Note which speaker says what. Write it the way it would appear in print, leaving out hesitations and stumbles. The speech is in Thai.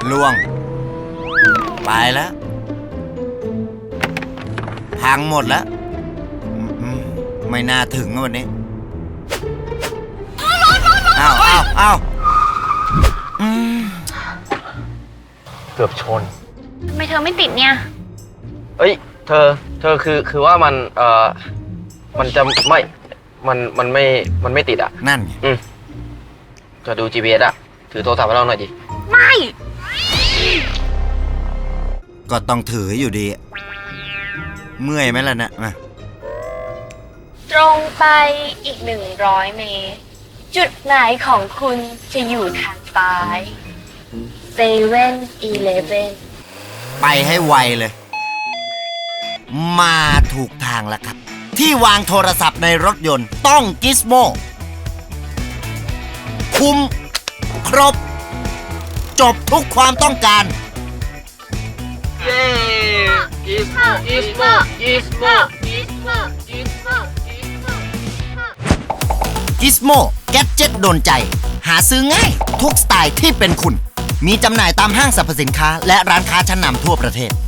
Speaker 1: ล่วงไปแล้วพังหมดแล้วไม่น่าถึงวันนี้อ้าว
Speaker 2: เกือบชน
Speaker 3: ทำไมเธอไม่ติดเนี่ย
Speaker 2: เอ้ยเธอคือว่ามันจะไม่มันไม่ติดอ่ะ
Speaker 1: นั่นไง
Speaker 2: จะดู GPS อ่ะถือโทรศัพท์ให้เราหน่อยดิ
Speaker 3: ไม่
Speaker 1: ก็ต้องถืออยู่ดี เมื่อยไหมล่ะนะมา
Speaker 3: ตรงไปอีก100 เมตร จุดไหนของคุณจะอยู่ทางซ้าย7-Eleven
Speaker 1: ไปให้ไวเลย มาถูกทางแล้วครับ ที่วางโทรศัพท์ในรถยนต์ต้องกิสโมคุ้มครบ จบทุกความต้องการ
Speaker 2: เย้อีสโม
Speaker 1: กิสโมแกดเจ็ตโดนใจ หาซื้อง่ายทุกสไตล์ที่เป็นคุณ มีจำหน่ายตามห้างสรรพสินค้าและร้านค้าชั้นนำทั่วประเทศ